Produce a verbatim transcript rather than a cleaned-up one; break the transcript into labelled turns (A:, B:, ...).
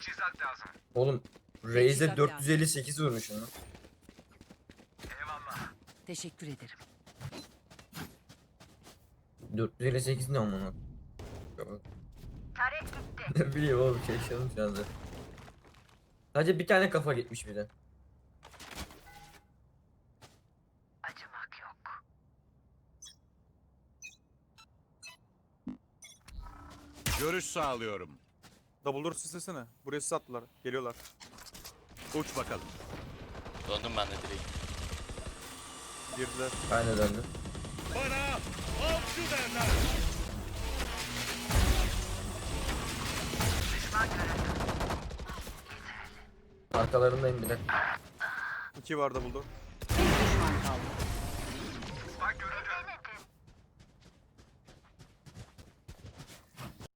A: Oğlum Raze'e dört yüz elli sekiz vurmuşum lan.
B: Teşekkür ederim.
A: dört yüz elli sekiz ne amına? Ne bileyim oğlum şaşırdım şu anda. Sadece bir tane kafa gitmiş bir de.
C: Görüş sağlıyorum.
D: Double door sislesene. Buraya sis attılar. Geliyorlar.
C: Uç bakalım.
E: Döndüm ben de direkt.
D: Girdiler.
A: Ben de döndüm.
C: Bana avcı derler.
A: Arkalarındayım bir de.
D: İki var double door.